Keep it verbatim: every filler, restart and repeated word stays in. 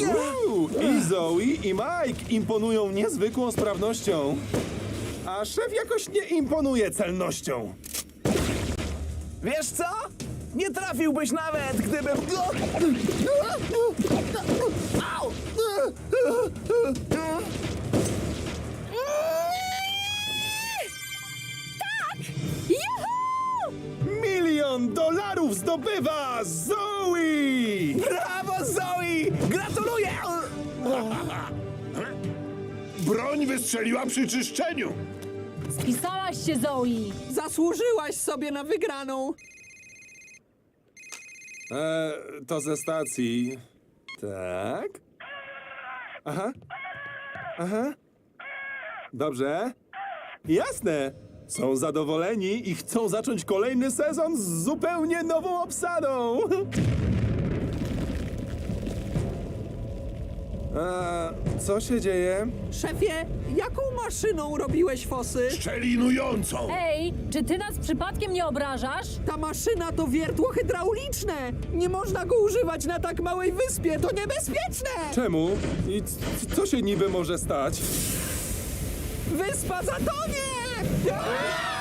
Uuu, I Zoe, i Mike imponują niezwykłą sprawnością. A szef jakoś nie imponuje celnością. Wiesz co? Nie trafiłbyś nawet, gdybym... Au! Juhu! Milion dolarów zdobywa Zoe! Brawo, Zoe! Gratuluję! Broń wystrzeliła przy czyszczeniu. Spisałaś się, Zoe! Zasłużyłaś sobie na wygraną. E, to ze stacji. Tak? Aha. Aha. Dobrze. Jasne. Są zadowoleni i chcą zacząć kolejny sezon z zupełnie nową obsadą. A, co się dzieje? Szefie, jaką maszyną robiłeś fosy? Szczelinującą. Ej, czy ty nas przypadkiem nie obrażasz? Ta maszyna to wiertło hydrauliczne. Nie można go używać na tak małej wyspie, to niebezpieczne! Czemu? I c- co się niby może stać? Wyspa zatonie!